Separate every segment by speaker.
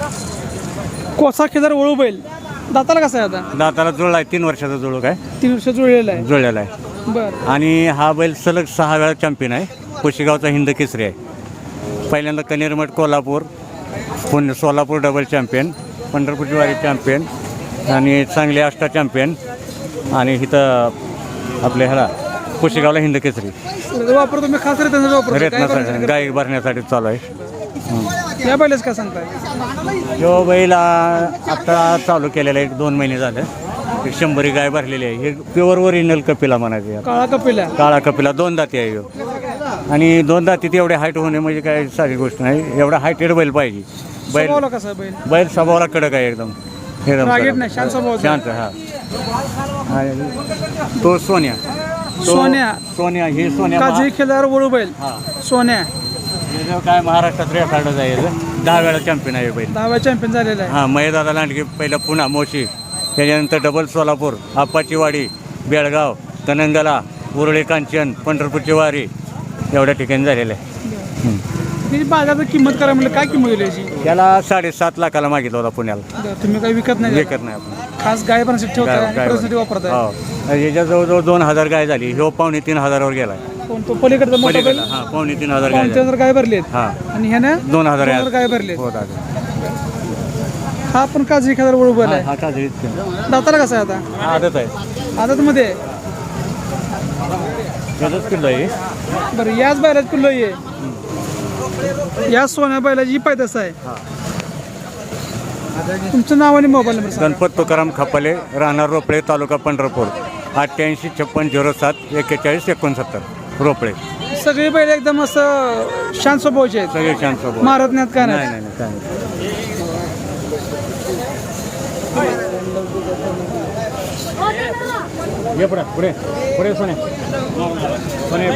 Speaker 1: कोसा खिल्लार वळू बैल दाताला कसा आहे आता?
Speaker 2: दाताला जुळला आहे, 3 वर्षाचा जुळूक आहे,
Speaker 1: 3 वर्ष जुळलेला आहे.
Speaker 2: जुळलेला आहे.
Speaker 1: बरं.
Speaker 2: आणि हा बैल सलग 6 वेळा चॅम्पियन आहे. कुशेगावचा हिंद केसरी आहे. पहिल्यांदा कनेरमठ कोल्हापूर, पुणे सोलापूर डबल चॅम्पियन, पंढरपूरची वारी चॅम्पियन आणि चांगली अष्टा चॅम्पियन आणि इथं आपल्या ह्याला कुशेगावला हिंद केसरी.
Speaker 1: वापर तुम्ही खास रेतनासाठी वापरता?
Speaker 2: गाय भरण्यासाठी चालू आहे.
Speaker 1: या बैलाच काय सांगताय?
Speaker 2: जो बैल आता चालू केलेला आहे, 1-2 महिने झाले. 100 गाय भरलेली आहे. हे प्युअर ओरिजिनल कपिला म्हणायचे.
Speaker 1: काळा कपिला.
Speaker 2: काळा कपिला 2 दाती आहे ह्यो. आणि 2 दातीत एवढे हाईट होणे म्हणजे काय साधी गोष्ट नाही. एवढा हाईटेड बैल पाहिजे.
Speaker 1: स्वभावाला कसा आहे बैल?
Speaker 2: बैल स्वभावाला कडक आहे एकदम.
Speaker 1: रागीट नाही, शांत स्वभावाचा.
Speaker 2: शांत. हा. आणि तो सोन्या. सोन्या हे सोन्या
Speaker 1: काजळी खिल्लार वळू बैल सोन्या.
Speaker 2: काय महाराष्ट्रात रेकॉर्डच आहे. 10 वेळा चॅम्पियन आहे बैल.
Speaker 1: 10 वेळा चॅम्पियन झालेला आहे.
Speaker 2: हां, मयदादा लांडगे पहिला पुन्हा मोशी, त्याच्यानंतर डबल सोलापूर, आप्पाची वाडी, बेळगाव, तनंगला, उरळे कांचन, पंढरपूरची वारी एवढ्या ठिकाणी झालेलं आहे.
Speaker 1: बाजारात किंमत करा म्हणजे काय किंमत होईल याची?
Speaker 2: त्याला 7.5 लाखाला मागितला होता पुण्याला.
Speaker 1: तुम्ही काही विकत नाही?
Speaker 2: विकत नाही आपण.
Speaker 1: खास गाय बनसाठी ठेवता वापरताय?
Speaker 2: हो. याच्या जवळजवळ 2,000 गाय झाली. ह्यो 2,500-3,000वर गेला.
Speaker 1: तो पलीकडचा मोठा बैल?
Speaker 2: हां, 2,500-3,000 गाय.
Speaker 1: 2,000 गाय भरलेत.
Speaker 2: हां.
Speaker 1: आणि ह्याने
Speaker 2: 2,000
Speaker 1: गाय भरलेत.
Speaker 2: हो दादा.
Speaker 1: हा पण काजळी खिल्लार वळू बैल आहे.
Speaker 2: हा काजळीच.
Speaker 1: दाताला कसा आहे आता?
Speaker 2: आदत आहे.
Speaker 1: आदत मध्ये.
Speaker 2: त्याचंच किल्लो आहे.
Speaker 1: बरं, याच बैलाच पिल्लो आहे. या सोन्या बैलाची पैदास आहे. तुमचं नाव आणि मोबाईल नंबर सांगा.
Speaker 2: गणपत तुकाराम खपाले, राहणार रोपळे, तालुका पंढरपूर. 88-56-06-41-69 रोपळे.
Speaker 1: सगळे बैल एकदम असं शांत स्वभावाचे आहेत.
Speaker 2: सगळे छान स्वभाव.
Speaker 1: मारत नाहीत काय नाही?
Speaker 2: नाही काय नाही. ये पुढे पुढे पुढे सोने सोने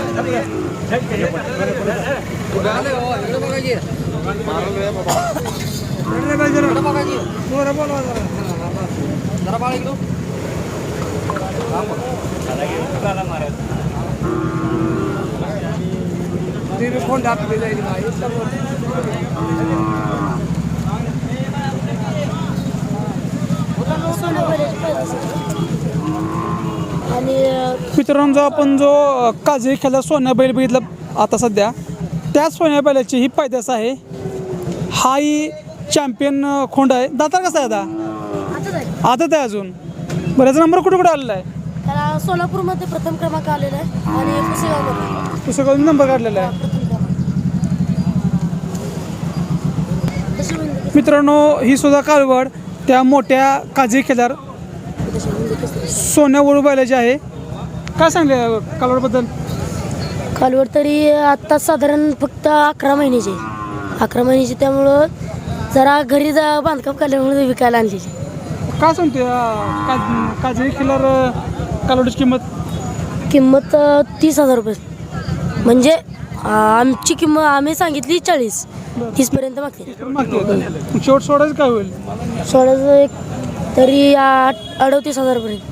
Speaker 1: मित्रांनो, आपण जो काजळी खिल्लार सोन्या बैल बघितला आता सध्या, त्याच सोन्या बैलाची ही पैदास आहे. हा ही चॅम्पियन खोंड आहे. दातार कसा आहे आता? आदत आहे अजून. बरं, याचा नंबर कुठे कुठे आलेला आहे?
Speaker 3: त्याला सोलापूरमध्ये प्रथम क्रमांक आलेला आहे आणि कुशेगावमध्ये
Speaker 1: पुस्तकातून नंबर काढलेला आहे. मित्रांनो, ही सुद्धा कालवड त्या मोठ्या काजळी खिल्लार सोन्या वळू बैलाची आहे. काय सांगले कालवडबद्दल?
Speaker 3: कालवड तरी आत्ता साधारण फक्त 11 महिन्याची. 11 महिन्याची, त्यामुळं जरा घरी बांधकाम काढल्यामुळे विकायला आणलेली.
Speaker 1: काय सांगते काजळी खिल्लार कालवडीची
Speaker 3: किंमत 30,000 रुपये. म्हणजे आमची किंमत आम्ही सांगितली 40. 30पर्यंत मागते.
Speaker 1: शेवट सोडायचं काय होईल?
Speaker 3: सोळाचं एक तरी 38,000 पर्यंत.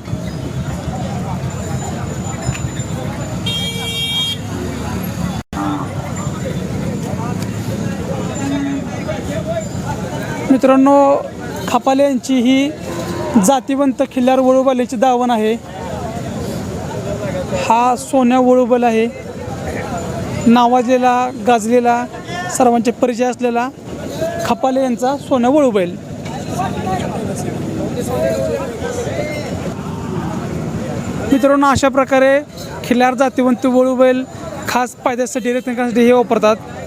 Speaker 1: मित्रांनो, खपाले यांची ही जातीवंत खिल्लार वळू बैलाची दावण आहे. हा सोन्या वळू बैल आहे. नावाजलेला, गाजलेला, सर्वांचे परिचय असलेला खपाले यांचा सोन्या वळू बैल. मित्रांनो, अशा प्रकारे खिल्लार जातीवंत वळू बैल खास फायद्यासाठी रेतनासाठी हे वापरतात.